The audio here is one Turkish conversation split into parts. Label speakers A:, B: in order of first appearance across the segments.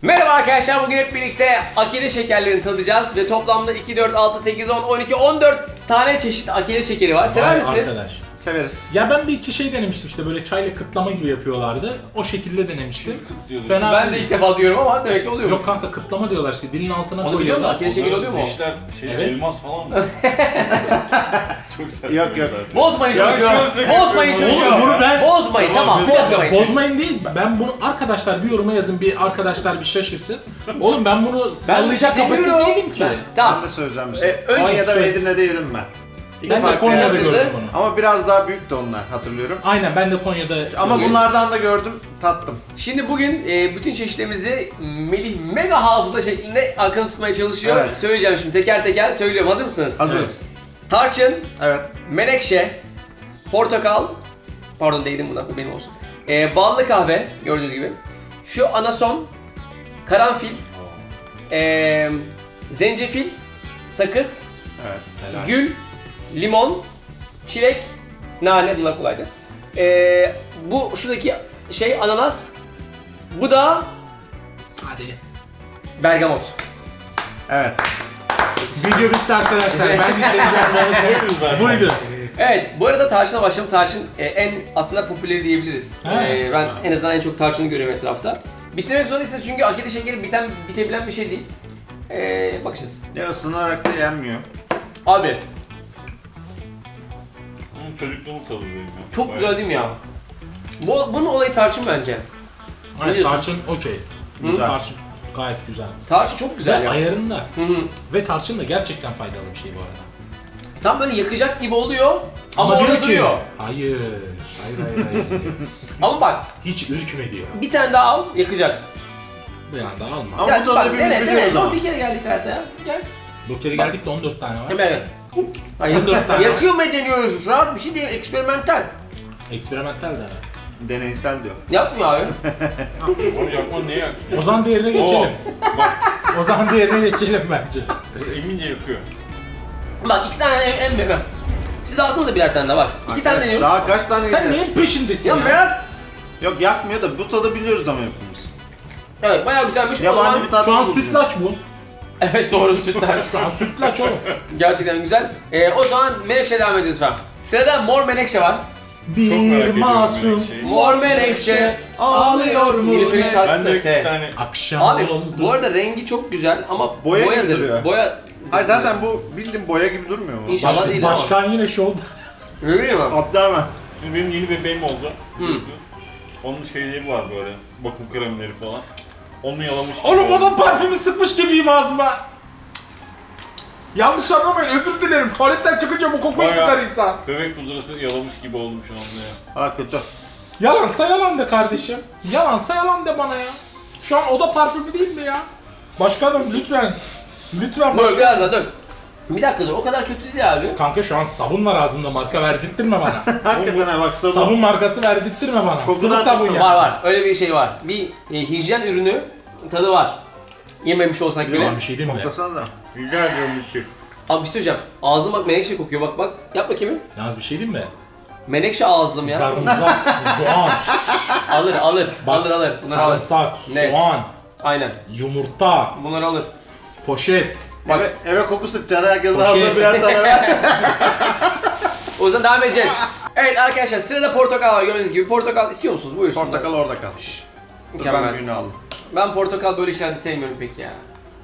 A: Merhaba arkadaşlar, bugün hep birlikte akide şekerlerini tadacağız ve toplamda 2, 4, 6, 8, 10, 12, 14 tane çeşit akide şekeri var. Sever
B: Vay
A: misiniz?
B: arkadaş.
C: Severiz.
B: Ya ben bir iki şey denemiştim işte böyle çayla kıtlama gibi yapıyorlardı. O şekilde denemiştim.
D: Kıtlıyorduk.
B: Fena
A: Ben de
B: değil.
A: ilk defa diyorum ama demek ki oluyor.
B: Yok kanka kıtlama diyorlar işte dilin altına
A: Onu biliyor musun?
B: koyuyorlar.
A: Akide şekeri oluyor mu?
D: Dişler şey,
B: Evet.
D: elmas falan mı? Çok sert.
C: Yok, yok.
A: Bozmayın
D: Ya,
A: çocuğu.
D: gözle
A: Bozmayın
D: görüyorum.
A: çocuğu.
B: Oğlum bunu ben-
A: Bozmayın, tamam,
D: Tamam,
A: bozmayın.
B: Bozmayın değil. Ben bunu arkadaşlar bir yoruma yazın, bir arkadaşlar bir şaşırsın. Oğlum ben bunu sallayacak kapasite
A: bilmiyorum.
B: değilim ki.
A: Tamam.
C: Ben de söyleyeceğim bir şey.
A: Önce
C: Konya'da
B: söyle.
C: ve Edirne'de yedim ben.
B: Ben de
C: farklı
B: Konya'da
C: yer.
A: yazıldı.
B: gördüm bunu.
C: Ama biraz daha büyüktü onlar, hatırlıyorum.
B: Aynen ben de Konya'da
C: Ama
A: Bugün-
C: bunlardan da gördüm, tattım.
A: Şimdi bugün bütün çeşitlerimizi Melih mega hafıza şeklinde akıllı tutmaya çalışıyor.
C: Evet.
A: Söyleyeceğim şimdi teker teker söylüyorum. Hazır mısınız?
C: Hazırız.
A: Tarçın,
C: Evet.
A: menekşe, portakal, pardon değdim buna, bu benim olsun. Ballı kahve, gördüğünüz gibi. Şu anason, karanfil, zencefil, sakız,
C: Evet.
B: Helal.
A: gül, limon, çilek, nane, bunlar kolaydı. Bu şuradaki şey ananas, bu da
B: Hadi.
A: bergamot.
C: Evet.
B: Video bitti arkadaşlar. Ben
D: Buyurun zaten.
B: Buydu.
A: Evet, bu arada tarçına başlayalım. Tarçın en aslında popüleri diyebiliriz.
B: He.
A: Ben en azından en çok tarçını görüyorum etrafta. Bitirmek zorundayız çünkü akide şekeri bitebilen bir şey değil. Bakacağız.
C: Ya ısınarak da yenmiyor.
A: Abi,
D: Çocukluğumun tadı benim ya.
A: çok
D: Bayağı.
A: güzel değil mi ya? Bunun olayı tarçın bence.
B: Aynen,
A: diyorsun?
B: tarçın okey.
C: Güzel.
B: Tarçın gayet güzel.
A: Tarçın çok güzel
B: Ve
A: ya.
B: ayarında.
A: Hı hı.
B: Ve tarçın da gerçekten faydalı bir şey bu arada.
A: Tam böyle yakacak gibi oluyor ama
B: diyor
A: orada
B: ki,
A: duruyor.
B: Hayır. Hayır.
A: Ama bak,
B: Hiç ürkme diyor.
A: bir tane daha al, yakacak.
B: Bir anda alma.
C: Ama bu tadı
A: bak,
C: hepimiz
A: dene,
C: biliyoruz ama.
A: Bir kere geldik hayata ya. Gel.
B: Bu kere geldik de 14 tane var.
A: Hemen gel. Hayır,
B: 14 tane.
A: yakıyor mu deniyoruz şu an? Bir şey değil, eksperimental.
B: Eksperimental de.
C: Deneysel diyor.
A: Yapmıyor abi.
D: Oğlum yakma niye yaksın?
B: O zaman diğerine geçelim. O zaman diğerine geçelim bence.
D: Emince yakıyor.
A: Bak iki tane en benim. Siz alsanız da birer tane daha bak. İki tane
C: Arkadaş,
A: deniyoruz.
C: daha kaç tane
B: Sen
C: yiyeceğiz?
B: neyin peşindesin
A: Ya
B: ya?
A: merak.
C: Yok yakmıyor da bu tadı biliyoruz ama hepimiz.
A: Evet bayağı güzelmiş. O
C: Yabancı
A: zaman...
C: bir tat
B: Şu an
C: değil bu bizim.
B: sütlaç bu.
A: Evet doğru sütler.
B: Şu an sütlaç oğlum.
A: Gerçekten güzel. O zaman menekşe devam ediyoruz efendim. Sırada mor menekşe var.
D: Çok
B: Bir
D: merak ediyorum
B: masum
D: menekşeyi.
A: Mor menekşe
B: ağlıyor mu?
A: Nilüfer'in şarkısı.
D: Ben de iki
A: Evet.
D: tane
B: Akşam
A: Abi
B: oldu.
A: bu arada rengi çok güzel ama
C: Boya gibi
A: boyadır.
C: duruyor.
A: Boya...
C: Hayır zaten bu bildiğin boya gibi durmuyor mu?
A: İnşallah değil
B: Başkan yine şovda.
A: ama. Öyle mi?
C: Atla hemen.
D: Şimdi benim yeni bebeğim oldu. Onun şeyleri var böyle, bakım kremleri falan. Onu yalamış gibi
B: Oğlum
D: oldu.
B: adam parfümü sıkmış gibiyim ağzıma. Yanlış anlamayın, özür dilerim. Tuvaletten çıkınca bu kokuyu
D: Bayağı-
B: sıkar insan.
D: Bebek pudrası yalamış gibi oldum şu anda ya.
C: Ha kötü.
B: Yalansa yalan de kardeşim. Yalansa yalan de bana ya. Şu an oda parfümü değil mi ya? Başkanım lütfen. Lütfen
A: Dur
B: başkanım.
A: biraz daha dur. Bir dakika dur, o kadar kötü değil abi.
B: Kanka şu an sabun var ağzımda, marka verdirttirme bana.
C: Hakikaten ha bak sabun.
B: Sabun markası verdirttirme bana.
C: Kokudan
B: Sıvı sabun
C: çok
B: ya.
A: Var var, öyle bir şey var. Bir hijyen ürünü tadı var. Yememiş olsak bile.
B: Ulan bir şey diyeyim mi?
C: Koklasana da.
D: Rica ediyorum bir şey.
A: Abi bir şey söyleyeceğim. Ağzım bak menekşe kokuyor, bak bak. Yap bakayım.
B: Yalnız bir şey diyeyim mi?
A: Menekşe ağızlım ya.
B: Sarımsak, soğan,
A: Alır.
B: bak,
A: Bunları alır.
B: sarımsak,
A: Net.
B: soğan,
A: Aynen.
B: yumurta,
A: Bunları alır.
B: poşet.
A: Bak.
C: Eve koku sıkacaksın, herkes
B: Poşet.
C: ağzına birer tane ver.
A: O yüzden devam edeceğiz. Evet arkadaşlar, sırada portakal var gördüğünüz gibi. Portakal istiyor musunuz? Buyursunlar.
C: Portakal orada kal. Dur ben
A: Mükemmel.
C: büyüğünü aldım.
A: Ben portakal böyle işlerde sevmiyorum pek ya.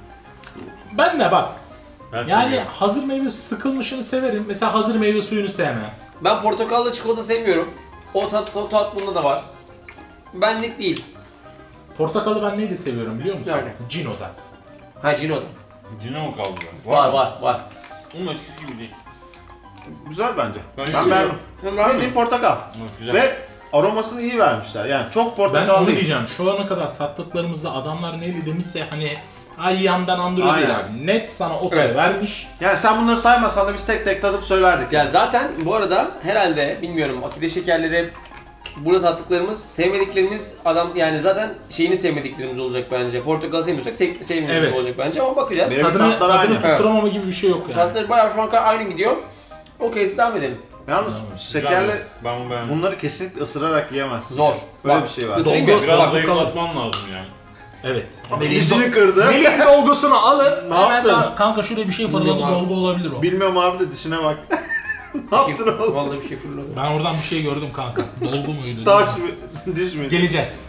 B: Ben de bak.
D: Ben
B: Yani
D: seviyorum.
B: hazır meyve sıkılmışını severim. Mesela hazır meyve suyunu sevmem.
A: Ben portakallı çikolata sevmiyorum. O tat bunda da var. Benlik değil.
B: Portakalı ben neydi seviyorum biliyor musun?
A: Nerede?
B: Cino'da.
A: Ha Cino'da.
D: Cino mu kaldı ben?
A: Var.
D: Onun eskisi gibi değil.
C: Güzel bence.
D: Ben
C: Ben
D: istiyorum.
C: beğendim.
A: Hem var mı?
C: Bildiğin portakal.
D: Evet, güzel.
C: Ve aromasını iyi vermişler. Yani çok
B: Ben
C: portakal
B: onu
C: değil.
B: diyeceğim. Şu ana kadar tattıklarımızda adamlar neydi demişse hani ay yandan andırıyor değil
C: Aynen.
B: abi. Net sana o tadı
A: Evet.
B: vermiş.
C: Yani sen bunları saymasan da biz tek tek tadıp söylerdik.
A: Ya zaten bu arada herhalde bilmiyorum akide şekerleri burada tattıklarımız, sevmediklerimiz adam yani zaten şeyini sevmediklerimiz olacak bence. Portakal sevmiyorsak sevmiyoruz
B: Evet.
A: olacak bence ama bakacağız.
C: Benim
B: Tadını
C: tatlar aynı.
B: tutturamama gibi bir şey yok yani.
A: Tatları bayağı şu an kadar aynı gidiyor. Okey, devam edelim.
C: Yalnız
D: Güzel
C: şekerli
D: mi? Ben beğendim.
C: bunları kesinlikle ısırarak yiyemezsin.
A: Zor.
C: Böyle
A: Bak,
C: bir şey var.
A: ısırayım
B: Dolgu-
A: mı?
D: Biraz
B: Bak,
D: zayıflatman lazım yani.
B: Evet.
C: Dişini kırdı.
B: Melih'in dolgusunu alın.
C: Ne
B: hemen
C: yaptın?
B: kanka şuraya bir şey fırladı,
A: Bilmiyorum abi.
B: dolgu olabilir o.
C: Bilmiyorum abi de dişine bak. Ne yaptın oğlum?
A: Vallahi bir şey fırladı.
B: Ben oradan bir şey gördüm kanka. Dolgu muydu?
C: Taş mı? Diş mi?
B: Geleceğiz.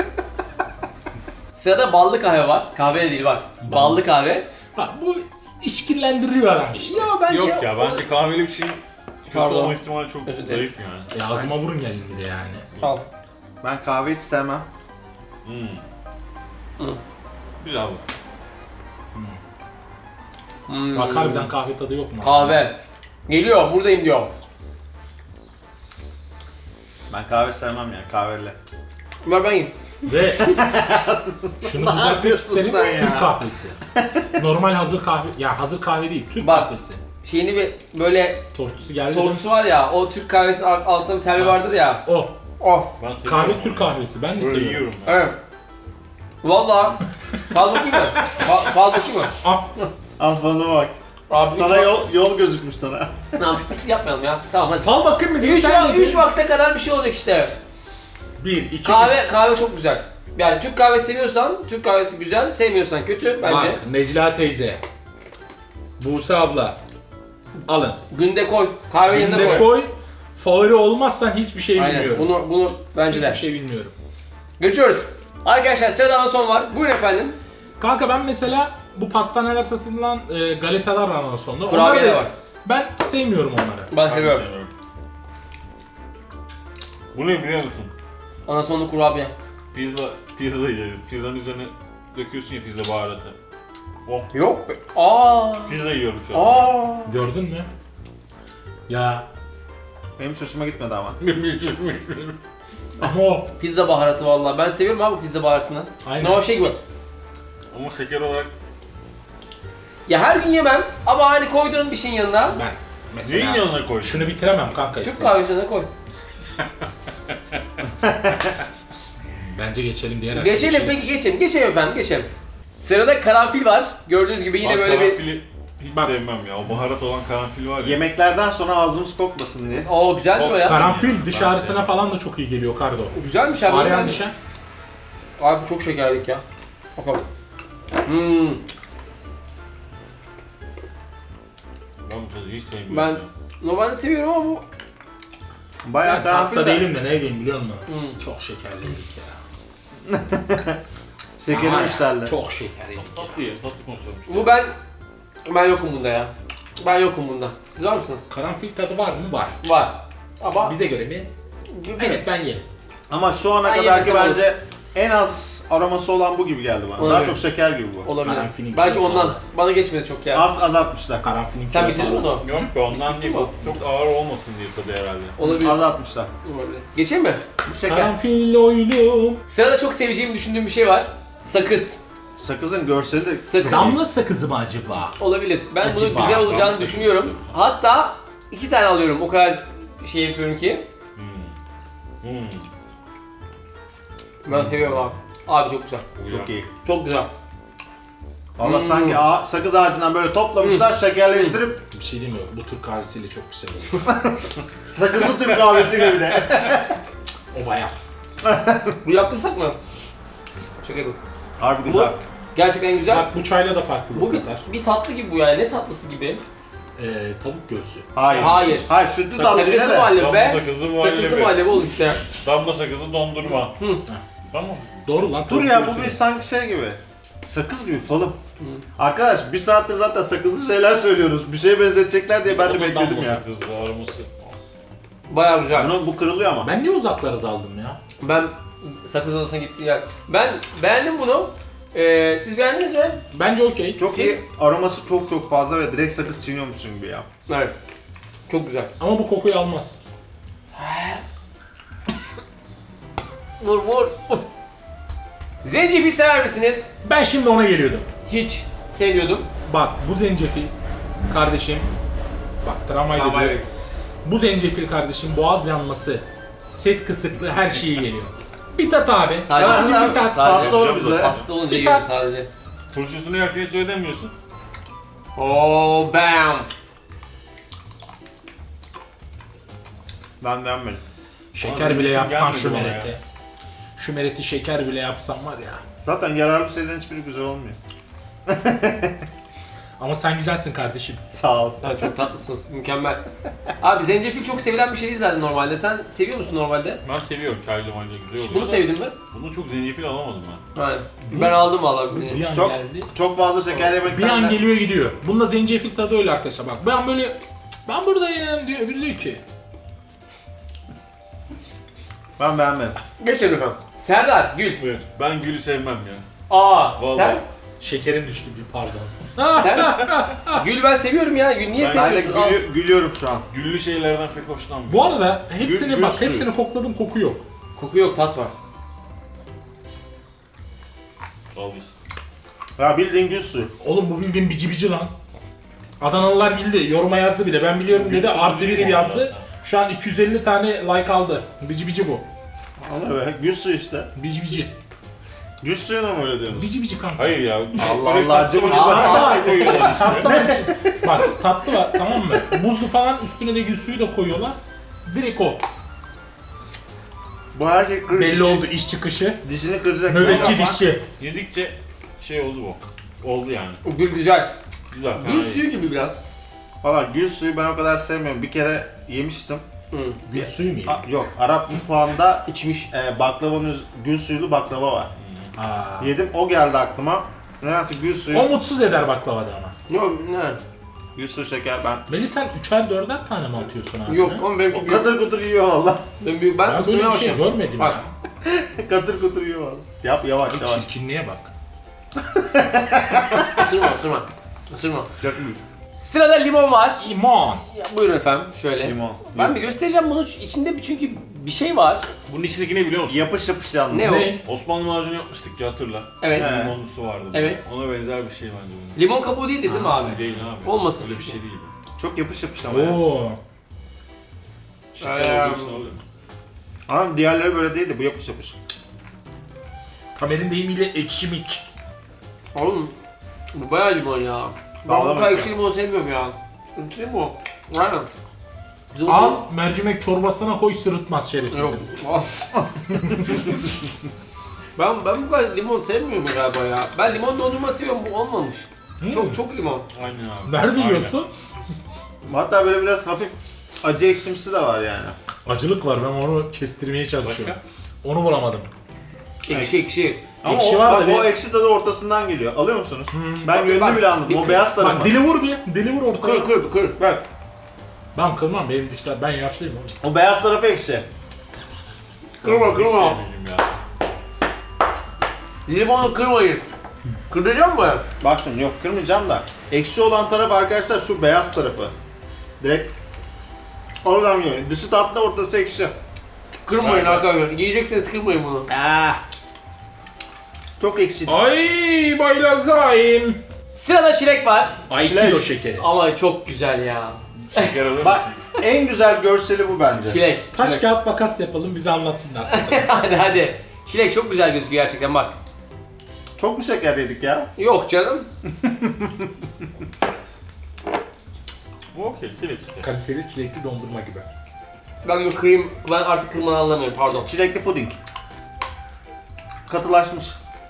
A: Sırada ballı kahve var. Kahve de değil bak. Ballı kahve.
B: Bak bu işkillendiriyor adam işte.
A: Ya bence...
D: Yok ya bence kahveli bir şey kötü
A: Pardon.
D: olma ihtimali çok
A: Özür dilerim.
D: zayıf yani.
B: Ağzıma vurun gelin bir de yani.
A: Al.
C: Ben kahve hiç sevmem.
D: Güzel bu.
B: Bak harbiden kahve tadı yok mu?
A: Kahve. Geliyor, buradayım diyor.
C: Ben kahve sevmem ya kahveli.
A: Ver ben yiyeyim.
B: Ve şunu düzeltmek
C: yapıyorsun
B: isterim,
C: sen ya?
B: Türk kahvesi. Normal hazır kahve, ya hazır kahve değil, Türk
A: Bak.
B: kahvesi.
A: Şeyini bir böyle
B: Tortusu geldi.
A: tortusu var ya, o Türk kahvesinin altında bir telli vardır ya.
B: O.
A: Oh.
D: Ben seviyorum
B: Kahve
D: onu.
B: Türk kahvesi, ben de
D: Böyle
B: seviyorum.
D: yiyorum ben.
A: Evet. Valla. Fal bakayım mı? Fal bakayım mı?
B: Ah,
C: Al falına bak.
A: Abi
C: Sana yol gözükmüş sana.
A: Tamam şu pislik yapmayalım ya. Tamam hadi.
B: fal bakayım mı diye
A: 3 vakte kadar bir şey olacak işte.
B: 1, 2,
A: Kahve çok güzel. Yani Türk kahvesi seviyorsan, Türk kahvesi güzel, sevmiyorsan kötü bence.
B: Bak, Necla teyze, Buse abla, alın.
A: Günde koy, kahve yanına
B: Günde
A: koy.
B: koy, favori olmazsan hiçbir şey
A: Aynen.
B: bilmiyorum.
A: Bunu bence
B: Hiçbir
A: de.
B: şey bilmiyorum.
A: Geçiyoruz. Arkadaşlar sırada anason var. Buyurun efendim.
B: Kanka ben mesela bu pastaneler satılan galetalar var ondan sonra.
A: Kurabiye
B: Onları
A: de
B: da-
A: var.
B: Ben sevmiyorum onları.
A: Ben
D: Ben de
A: seviyorum.
D: sevmiyorum. Bu ne biliyor musun?
A: Anasonlu kurabiye.
D: Pizza yiyelim. Pizzanın üzerine döküyorsun ya pizza baharatı. Oh,
A: Yok be. Aa.
D: pizza yiyorum şu an.
A: Aa.
B: Gördün mü? Ya
C: Benim hiç hoşuma gitmedi ama.
B: ama o
A: Pizza baharatı vallahi. Ben seviyorum abi pizza baharatını.
B: Aynen.
A: Ne o şey gibi.
D: Ama şeker olarak
A: Ya her gün yemem ama hani koyduğun bir şeyin yanına
B: ben mesela
D: neyin yanına koydun?
B: şunu bitiremem kanka.
A: Türk kahvesi yanına koy.
B: Bence geçelim diğer
A: Geçelim
B: arkadaşa.
A: peki geçelim. Geçelim efendim geçelim. Sırada karanfil var. Gördüğünüz gibi yine
D: Bak,
A: böyle bir...
D: karanfili hiç
B: Bak.
D: sevmem ya. O baharat olan karanfil var ya.
C: Yemeklerden sonra ağzımız kokmasın diye.
A: Oo güzeldir o ya.
B: Karanfil diş
D: Ben
B: ağrısına
D: sevmem.
B: falan da çok iyi geliyor Kardo.
A: Güzelmiş abi.
B: Ağrıyan dişe.
A: Abi çok şekerlik ya. Bakalım. Hmm.
D: Ben bu tadı hiç sevmiyorum.
A: Ben
D: ya.
A: normalde seviyorum ama bu...
C: Bayağı
B: Ben
C: karanfil
B: tatlı
C: de.
B: değilim de ne diyeyim biliyor musun?
A: Hmm.
B: Çok şekerliydik ya.
C: Şekerim
B: Ama
C: yükseldi.
B: Çok şekerliydik.
D: Tatlı ye, tatlı konuşalım.
A: Bu ben yokum bunda ya. Ben yokum bunda. Siz var mısınız?
B: Karanfil tadı var mı? Var.
A: Var. Ama
B: Bize göre mi?
A: biz
B: Evet ben yerim.
C: Ama şu ana
A: Ben
C: kadarki
A: yemesem
C: bence en az aroması olan bu gibi geldi bana. Daha
A: Olabilir.
C: çok şeker gibi bu.
A: olabilir.
B: Karanfilin
A: Belki
B: gibi
A: ondan.
B: pahalı.
A: Bana geçmedi çok ya.
C: Az azaltmışlar.
B: Karanfilin
A: Sen
B: kilo
A: bitirdin mi
B: pahalı.
A: onu?
D: Yok be ondan değil.
A: mi?
D: Çok ağır olmasın diye tadı herhalde.
A: Olabilir.
C: Azaltmışlar.
A: Olabilir. Geçeyim mi?
C: Bu şeker.
B: Karanfil oylum.
A: Sırada çok seveceğimi düşündüğüm bir şey var. Sakız.
C: Sakızın görseli de
A: Sakız.
B: Damla sakızı mı acaba?
A: Olabilir. Ben bunun
B: Acaba.
A: güzel olacağını
D: Damla
A: düşünüyorum.
D: sakız.
A: Hatta 2 tane alıyorum. O kadar şey yapıyorum ki. Ben seviyorum abi. Abi çok güzel.
C: çok iyi.
A: Çok güzel.
C: Valla sanki sakız ağacından böyle toplamışlar, şekerleştirip
B: Bir şey değil mi? Bu Türk kahvesiyle çok güzel olur.
C: sakızlı Türk kahvesi gibi de.
B: O bayağı.
A: Bu yaptırsak mı? Şaka bu.
C: Harbi güzel.
A: Gerçekten güzel.
B: Bak bu çayla da farklı
A: Bu
B: bu kadar.
A: bir tatlı gibi bu yani. Ne tatlısı gibi?
B: Tavuk göğsü.
C: Hayır.
A: Hayır.
C: Hayır, sütlü tatlı
A: Sakızlı
C: yine de.
A: muhallebi be.
D: Sakızlı muhallebi.
A: Sakızlı muhallebi oldu işte.
D: Damla sakızı dondurma. Tamam.
B: Doğru lan
C: Dur
B: tavuk
C: ya, bu
B: göğsü.
C: bir sanki şey gibi. Sakız gibi falım. Arkadaş bir saattir zaten sakızlı şeyler söylüyoruz. Bir şeye benzetecekler diye ben de
D: O da
C: bekledim
D: damla
C: ya.
D: sakızlı aroması.
A: Bayağı güzel.
C: Bu kırılıyor ama.
B: Ben niye uzaklara daldım ya?
A: Ben sakız adasına gittim yani. Ben beğendim bunu. Siz beğendiniz mi?
B: Bence okey.
C: Çok
A: Siz-
C: iyi. Aroması çok fazla ve direkt sakız çiğniyormuşsun gibi ya.
A: Evet. Çok güzel.
B: Ama bu kokuyu almaz.
A: Vur. Zencefil sever misiniz?
B: Ben şimdi ona geliyordum.
A: Hiç sevmiyordum.
B: Bak bu zencefil kardeşim. Bak tramvayda
A: Tamam,
B: diyor.
A: evet.
B: Bu zencefil kardeşim boğaz yanması, ses kısıklığı her şeyi geliyor. Bir tat abi.
A: Sadece-
B: Sadece bir tat.
A: Sadece-
C: Sattı onu bize.
A: Hasta olunca
B: Bir
A: yiyorum
B: tat.
A: sadece.
D: Turşusunu yerken hiç ödemiyorsun.
A: Oh bam.
C: Ben beğenmedim.
B: Şeker bile yapsan şu
D: Gelmedi bana
B: merete. Şu mereti şeker bile yapsan var ya.
C: Zaten yararlı şeylerin hiçbiri güzel olmuyor.
B: Ama sen güzelsin kardeşim.
C: Sağ ol.
A: Ha, çok tatlısınız. Mükemmel. Abi zencefil çok sevilen bir şey değil zaten normalde. Sen seviyor musun normalde?
D: Ben seviyorum çaylı maylı güzel oluyor.
A: Bunu
D: da
A: sevdin mi?
D: Bunu çok zencefil alamadım ben.
A: Hayır. Ben aldım valla.
B: Bir an
C: Çok
B: geldi.
C: çok fazla şeker
B: Bir
C: yemekten
B: an
C: de...
B: geliyor gidiyor. Bununla zencefil tadı öyle arkadaşlar bak. Ben böyle ben buradayım diyor. Öbürü diyor ki.
C: Ben beğenmedim.
A: Geçelim efendim. Serdar, Gül.
D: Buyur. Ben gülü sevmem ya.
A: Aa,
D: Vallahi.
A: sen?
B: Şekerim düştü bir pardon.
A: Sen? Gül ben seviyorum ya. Gül niye
D: Ben
C: Ben de
A: seviyorsun?
C: gülüyorum şu an.
D: Güllü şeylerden pek hoşlanmıyorum.
B: Bu arada hepsini
C: Gül
B: bak
C: suyu.
B: hepsini kokladım koku yok.
A: Koku yok, tat var.
D: Al işte.
C: Ya bildiğin gül suyu.
B: Oğlum bu bildiğin bici bici lan. Adanalılar bildi. Yoruma yazdı bile. Ben biliyorum dedi. Artı biri yazdı. Şu an 250 tane like aldı. Bici bici bu.
C: Ana be, gül suyu işte.
B: Bici bici.
C: Gül suyuna mı öyle diyorsunuz?
B: Bici bici kanka.
D: Hayır ya.
C: Allah
D: Böyle
C: Allah,
D: tatlı
C: cıvı
D: bir
C: cıvı.
D: tatlı koyuyorlar işte.
B: Tatlı var için. Bak tatlı var tamam mı? Buzlu falan üstüne de gül suyu da koyuyorlar. Direkt o.
C: Bu erkek kır,
B: Belli oldu iş çıkışı.
C: dişini kıracak.
B: Nöbetçi
C: Ama
B: dişçi.
D: Yedikçe şey oldu bu. Oldu yani.
A: Gül güzel.
D: Güzel. fena
A: Gül
D: değil.
A: suyu gibi biraz.
C: Valla gül suyu ben o kadar sevmiyorum. Bir kere yemiştim.
A: Hı.
B: Gül suyu mu yedin?
C: Yok, Arap mutfağında
A: İçmiş.
C: baklavanın gül suyulu baklava var.
B: Aa.
C: Yedim, o geldi aklıma. Nedense gül
B: O
C: suyu,
B: mutsuz eder baklavada ama.
A: Yok, ne?
C: gül suyu şeker ben.
B: Melih sen 3'er 4'er tane mi atıyorsun ağzına?
A: Yok ama benimki
C: O
A: büyük.
C: katır kutur yiyor valla.
A: Ben
B: Ben böyle
A: ısırmaya
B: bir şey
A: başlıyorum.
B: görmedim
A: Bak.
B: ya.
C: Katır kutur yiyor valla. Yap yavaş
B: Bak,
C: yavaş.
B: çirkinliğe bak.
A: Isırma. Isırma.
C: Çok iyi.
A: Sırada limon var.
B: Limon.
A: Ya, buyurun efendim. Şöyle.
C: Limon.
A: Ben bir göstereceğim bunu. İçinde çünkü bir şey var.
D: Bunun içindeki ne biliyor musun?
C: Yapış yapış yalnız.
A: Ne o?
B: Ne?
D: Osmanlı macunu yapmıştık ya hatırla.
A: Evet.
C: He.
D: Limonlusu vardı.
A: Evet.
D: Ona benzer bir şey bence bunun.
A: Limon kabuğu değildi değil mi abi?
D: Değil abi.
A: Olmasın
D: Öyle bir
A: çünkü.
D: şey değil.
C: Çok yapış yapış ama ya.
B: Oo.
D: Şeker olduğu için oluyor.
C: Ama diğerleri böyle değildi, bu yapış yapış.
B: Tamer'in deyimiyle ekşimik.
A: Oğlum. Bu bayağı limon ya. Ben bu
C: Bağlamak
A: kadar
C: ya.
A: ekşi limon sevmiyorum ya. Ekşi limon. Aynen. Bizim o
B: Al mercimek çorbasına koy sırıtmaz
A: Yok.
B: şerefsizim.
A: ben bu kadar limon sevmiyorum galiba ya. Ben limon dondurma seviyorum, bu olmamış. Çok limon.
D: Aynen abi.
B: Nerede
D: Aynen.
B: yiyorsun?
C: Hatta böyle biraz hafif acı ekşimsi de var yani.
B: Acılık var ben onu kestirmeye çalışıyorum. Onu bulamadım.
A: Ekşi.
C: Ama
B: Ekşi
C: o,
B: var da
C: bak,
B: bir-
C: o ekşi tadı ortasından geliyor. Alıyor musunuz? Ben
A: Bak,
C: yönünü
A: bak,
C: bile anladım.
A: bir
C: O
A: kır-
C: beyaz tarafı.
B: Bak dili vur bir. Dili vur ortaya.
A: Kır.
C: Bak,
B: Ben kırmam benim dişler. Ben yaşlıyım oğlum.
C: o beyaz tarafı ekşi.
A: Kırma.
D: Sevmedim ya.
A: Limonu kırmayın. Kıracağım mı?
C: Bak şimdi, yok kırmayacağım da. Ekşi olan taraf arkadaşlar şu beyaz tarafı. Direkt oradan geliyor. Dışı tatlı, ortası ekşi.
A: Kırmayın
D: Aynen.
A: arkadaşlar. Yiyecekseniz kırmayın bunu.
C: Çok ekşi.
B: Ay baylazayım.
A: Sırada çilek var.
B: Ay
C: Çilek.
B: kilo şekeri.
A: Ama çok güzel ya.
D: Şeker alır
C: Bak,
D: mısınız?
C: en güzel görseli bu bence.
A: Çilek.
B: Taş kağıt makas yapalım bize anlatsınlar.
A: hadi. Çilek çok güzel gözüküyor gerçekten bak.
C: Çok mu şeker yedik ya?
A: Yok canım.
D: Bu okey. Çilek işte.
B: Kaliteli çilekli dondurma gibi.
A: Ben artık kırmanı anlamıyorum, pardon.
C: Çilekli puding. Katılaşmış.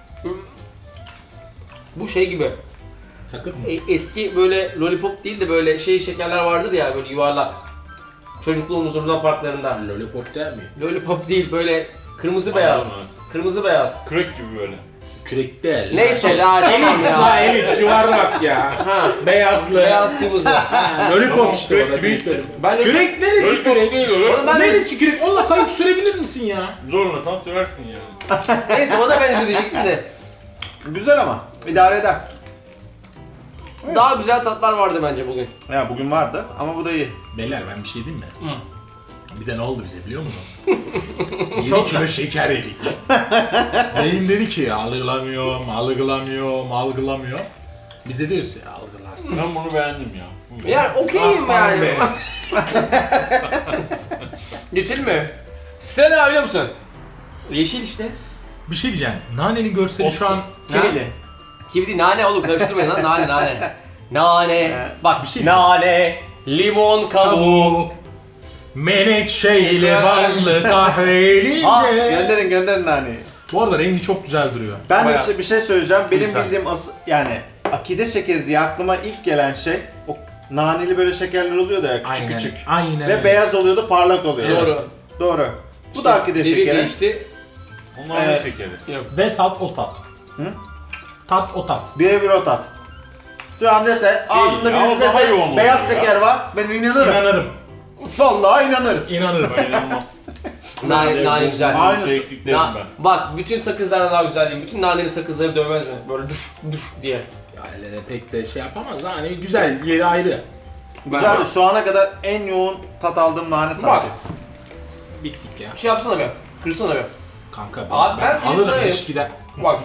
A: Bu şey gibi.
B: Sakın mı?
A: Eski böyle lollipop değil de böyle şekerler vardır ya, böyle yuvarlak. Çocukluğumuzun Luna parklarında.
B: Lollipop değil mi?
A: Lollipop değil, böyle kırmızı beyaz.
D: Anladım
A: Kırmızı beyaz.
D: Crack gibi böyle.
B: Kürek değil.
A: Neyse la tamam
B: Elips la
A: ya.
B: elips yuvarlak ya.
A: Ha.
B: Beyazlı.
A: Beyaz kırmızı.
B: Lollipop işte
D: Kürek
B: o da
D: gibi
B: değil.
D: işte.
A: Ben de
B: Kürek neresi
D: Lollipop
B: kürek?
D: değil o.
A: Onu ben de,
B: Neresi kürek? Onunla kayık sürebilir misin ya?
D: Zorla tam sürersin yani.
A: neyse ona benziyor diyecektim de.
C: Güzel ama. İdare eder.
A: Daha güzel tatlar vardı bence bugün.
C: Ya bugün vardı ama bu da iyi.
B: Beyler ben bir şey diyeyim mi? Bir de ne oldu bize biliyor musun? 7 kilo şeker yedik. Beyin dedi ki algılamıyorum. Biz de diyoruz ya algılarsın.
D: Ben bunu beğendim ya. Bu
A: Yani okeyim
B: Aslan
A: yani.
B: be.
A: Geçelim mi? Sen ne biliyor musun? Yeşil işte.
B: Bir şey diyeceğim. Nanenin görseli şu an...
C: Kivili.
A: Kivi değil, nane oğlum, karıştırmayın lan, nane. Nane. Bak
B: Bir şey
A: nane, limon kabuğu.
B: Menekşeyle ballı
A: Ah,
B: kahvelince.
C: Gönderin naneyi.
B: Bu arada rengi çok güzel duruyor.
C: Ben de
A: Bayağı.
C: bir şey söyleyeceğim. Benim
A: Güzel.
C: bildiğim yani akide şekeri diye aklıma ilk gelen şey o naneli böyle şekerler oluyordu ya küçük
B: Aynen.
C: küçük.
B: Aynen
C: Ve
B: öyle.
C: beyaz oluyordu, parlak oluyordu.
A: Doğru.
C: Doğru. Bu
A: İşte
C: da akide
A: devir
C: şekeri.
A: değişti.
D: Onlar
C: Evet.
D: ne şekeri?
B: Ve tat o tat.
C: Hı?
B: Tat o tat.
C: Birebir o tat. Şu an dese, ağzında
D: ya,
C: birisi
D: o daha
C: dese
D: yoğun
C: beyaz
D: oluyor ya.
C: şeker var, ben inanırım.
B: İnanırım.
C: Vallahi inanırım.
B: İnanırım.
D: Ben inanmam.
A: Nane güzel.
C: Aynısı.
D: Şey eksiklerim ben.
A: Bak bütün sakızlardan daha güzel değil. Bütün naneli sakızları dövmez mi? Böyle düş düş diye.
B: Ya hele de pek de şey yapamaz da hani güzel, yeri ayrı.
C: Güzel. Şu ana kadar en yoğun tat aldığım nane sanki.
B: Bittik ya.
A: Bir şey yapsana be. Kırsana be.
B: Kanka
A: Abi ben
B: alırım
A: söyleyeyim.
B: diş gider.
A: Bak.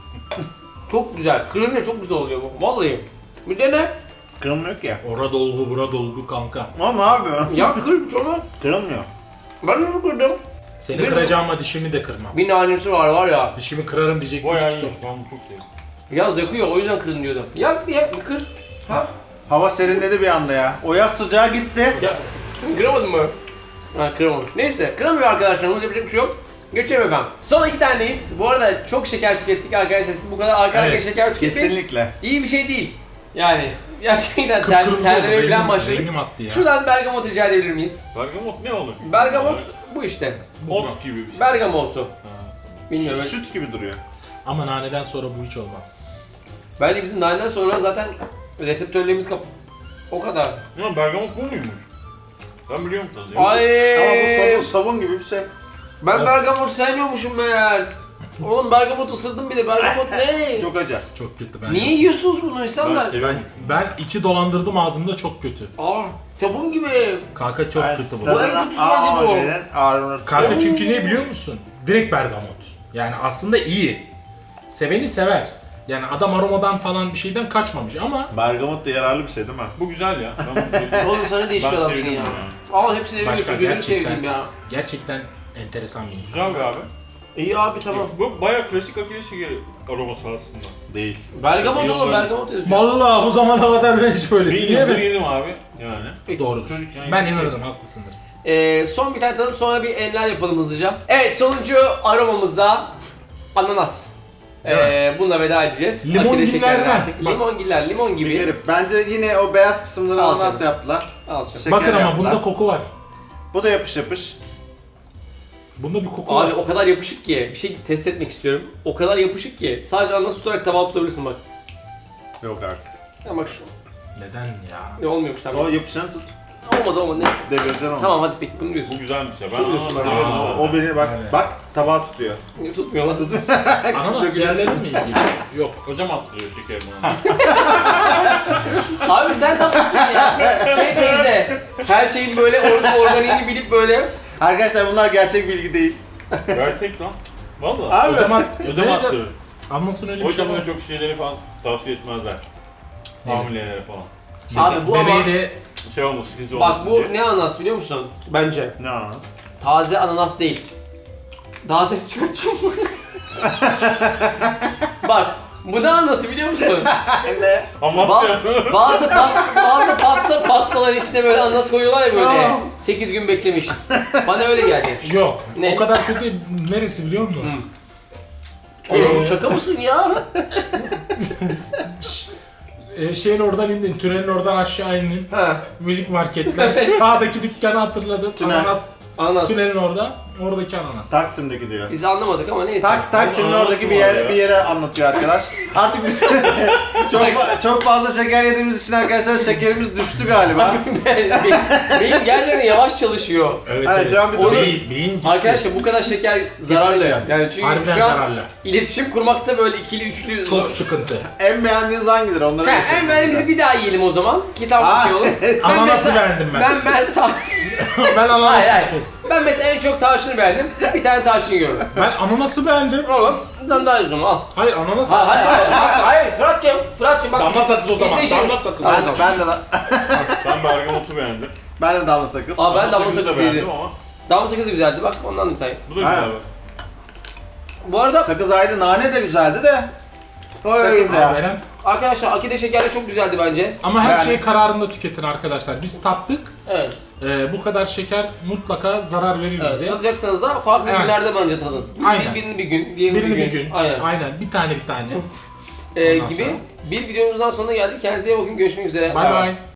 A: Çok güzel. Kırınca çok güzel oluyor bu. Vallahi. Bir dene.
C: Kırılmıyor ki.
B: Ora dolgu bura dolgu kanka.
C: Ama ne yapıyor?
A: Ya kır şunu.
C: Kırılmıyor.
A: Ben de kırdım.
B: Seni
A: Bir-
B: kıracağım ama dişimi de kırmam.
A: Bir nanesi var ya.
B: Dişimi kırarım diyecek
D: Bayağı
B: küçük
D: iyiymiş.
B: çok.
D: Ben bunu çok sevdim.
A: Yaz yakıyor o yüzden kırın diyordum. Yak bir kır. Ha?
C: Hava serinledi bir anda ya. O yaz sıcağı gitti.
A: Ya kıramadın mı? Ha kıramamış. Neyse kıramıyor arkadaşlarımız yapacak bir şey yok. Geçelim efendim. Son 2 taneyiz. Bu arada çok şeker tükettik arkadaşlar. Siz bu kadar arka arkaya
B: Evet,
A: şeker tüketmeyin.
C: Kesinlikle.
A: İyi bir şey değil. Yani gerçekten
B: Kıpkırmızı oldu.
A: terlemeye falan başladık.
B: Rengim attı ya.
A: Şuradan bergamot rica edebilir miyiz?
D: Bergamot ne olur?
A: Bergamot bu işte.
D: Ot gibi bir şey.
A: Bergamotu. Bilmiyorum.
C: Süt gibi duruyor.
B: Ama naneden sonra bu hiç olmaz.
A: Bence bizim naneden sonra zaten reseptörlerimiz o kadar.
D: Ya bergamot bu muymuş? Ben biliyorum tadı. ya.
A: Ay.
C: Ama bu sabun gibi bir şey.
A: Ben bergamot sevmiyormuşum meğer. Oğlum bergamot ısırdım bir de bergamot ne?
C: Çok acı.
B: Çok kötü ben.
A: Niye yiyorsunuz bunu insanlar?
D: Ben seviyorum.
B: Ben 2 dolandırdım ağzımda çok kötü.
A: Sabun gibi.
B: Kanka çok kötü bu.
A: Bu en kötüsü bence bu.
C: Ağrınır.
B: Kanka çünkü ne biliyor musun? Direkt bergamot. Yani aslında iyi. Seveni sever. Yani adam aromadan falan bir şeyden kaçmamış ama
C: Bergamot da yararlı bir şey değil mi?
D: Bu güzel ya. Ben bunu sevdim.
A: Oğlum sana değişik
D: Ben
A: adamsın
D: sevdim
A: ya.
D: bunu
A: Al hepsini eve
B: Başka
A: götür gözünü
B: gerçekten.
A: seveyim ya.
B: gerçekten enteresan bir insan.
D: Güzel be abi.
A: İyi abi tamam.
D: Bu bayağı klasik akide şekeri aroması aslında.
C: Değil.
A: Bergamot oğlum
D: Yıllar-
A: bergamot yazıyor.
B: Vallahi bu zamana kadar ben hiç böylesi
D: Bir
B: diye
D: yıldır
B: mi?
D: yedim abi yani.
A: Peki.
B: Doğrudur.
D: Çocukken
B: Ben
D: yedim.
B: inanırım haklısındır.
A: Son bir tane tadım sonra bir enler yapalım hızlıca. Evet sonuncu aromamızda ananas. Bununla veda edeceğiz.
B: Limon
A: Akide
B: giller
A: şekerler
B: mi?
A: artık.
B: Bak.
A: Limongiller, limon gibi.
C: Garip. Bence yine o beyaz kısımları
A: Al
C: ananas
A: canım.
C: yaptılar.
A: Al canım.
C: Şeker
B: Bakın ama
C: yaptılar.
B: bunda koku var.
C: Bu da yapış yapış.
B: Bunda bir koku
A: Abi
B: var.
A: o kadar yapışık ki bir şey test etmek istiyorum. O kadar yapışık ki sadece ananas tutarak tabağa tutabilirsin bak.
C: Yok artık.
A: Ya bak şu.
B: Neden ya?
A: Ne olmuyormuş tabii.
C: O yapışanı tut.
A: Olmadı neyse.
C: Devireceksin onu.
A: Tamam hadi peki bunu
D: Bu
A: diyorsun.
D: güzelmiş ya. Ben
A: Söylüyorsun
D: ananas
A: bana.
D: seviyorum
C: Aa,
D: zaten.
C: o beni bak
B: Evet.
C: bak tabağı tutuyor.
A: Tutmuyor lan.
B: Ananas
C: Dökülersin.
B: ciğerlerin mi ilgili? Yok.
D: Hocam attırıyor şeker bana.
A: Abi sen tam olsun ya. Şey teyze. Her şeyin böyle organiğini bilip böyle.
C: Arkadaşlar bunlar gerçek bilgi değil.
D: Gerçek lan. Valla.
C: Abi.
B: Ödem
D: Ödem attırıyor.
B: Anlasın öyle bir
D: O
B: şey
D: yüzden
B: var.
D: böyle çok şeyleri falan tavsiye etmezler. Hamilelere falan.
A: Abi bu ama
B: Bebeği de
D: Şey olmasın, sıkıntı olmasın
A: bak bu
D: diye.
A: ne ananas biliyor musun? Bence.
C: Ne ananas?
A: Taze ananas değil. Daha ses çıkartacağım. Bak bu ne ananası biliyor musun?
C: Ne?
D: Anlattı.
A: Bazı pastaların içine böyle ananas koyuyorlar ya böyle. 8 gün beklemiş. Bana öyle geldi.
B: yok.
A: Ne?
B: O kadar kötü neresi biliyor musun?
A: Oğlum şaka mısın ya?
B: Şeyin oradan indin, tünelin oradan aşağı indin.
A: Ha,
B: Müzik marketler, sağdaki dükkanı hatırladın.
C: Tünel.
B: Ananas,
A: ananas.
B: tünelin orada, oradaki ananas.
C: Taksim'deki diyor.
A: Biz anlamadık ama neyse.
C: Taksim'in
D: Ananas
C: oradaki
D: mı
C: bir
D: var
C: yere
D: ya?
C: bir yere anlatıyor arkadaş. Artık biz çok fazla şeker yediğimiz için arkadaşlar şekerimiz düştü galiba.
A: Beyin gerçekten yavaş çalışıyor.
B: Evet,
C: Evet,
B: evet.
C: şu an bir
B: O
C: doğru-
B: beyin gitti.
A: Arkadaşlar bu kadar şeker zararlı.
C: Kesinlikle.
A: Yani çünkü
B: Harbiden
A: şu an
B: zararlı.
A: iletişim kurmakta böyle ikili üçlü
B: Çok sıkıntı.
C: En beğendiğiniz hangidir? Onları
A: He,
C: geçelim
A: en beğendiğimizi bir daha yiyelim o zaman. Kitap bir şey olur.
B: Ananası beğendim ben.
A: Hayır
B: Ben ananası
A: hayır. Ben mesela en çok tarçını beğendim. Bir tane tarçın yiyorum.
B: Ben ananası beğendim.
A: Oğlum, bundan daha iyi al.
B: Hayır ananası.
A: Hayır Fırat'cığım bak.
B: Damla sakız o zaman.
A: izleyeceğim.
B: Damla sakız.
C: Ben de
D: Bergamot'u beğendim.
C: ben de damla sakız.
A: Aa, ben damla
D: Sakızı da
A: sakızı
D: beğendim
A: yedim.
D: ama
A: Damla sakızı güzeldi bak ondan bir tane.
D: bu da
C: Aynen.
D: güzel be.
A: Bu arada
C: Sakız ayrı, nane de güzeldi de. Sakız
B: Ya.
C: ya.
B: Veren.
A: arkadaşlar akide şekerli çok güzeldi bence.
B: Ama her
C: Yani-
B: şeyi kararında tüketin arkadaşlar. Biz tattık.
A: Evet.
B: Bu kadar şeker mutlaka zarar verir
A: Evet,
B: bize.
A: tadacaksanız da farklı
B: Evet.
A: günlerde bence tadın.
B: Aynen.
A: Birini bir gün, diğerini
B: Birini
A: bir
B: bir gün.
A: Aynen.
B: Aynen. Bir tane. Ondan
A: Gibi
B: sonra.
A: bir videomuzdan sonuna geldik. Kendinize iyi bakın. Görüşmek üzere.
B: Bay bay.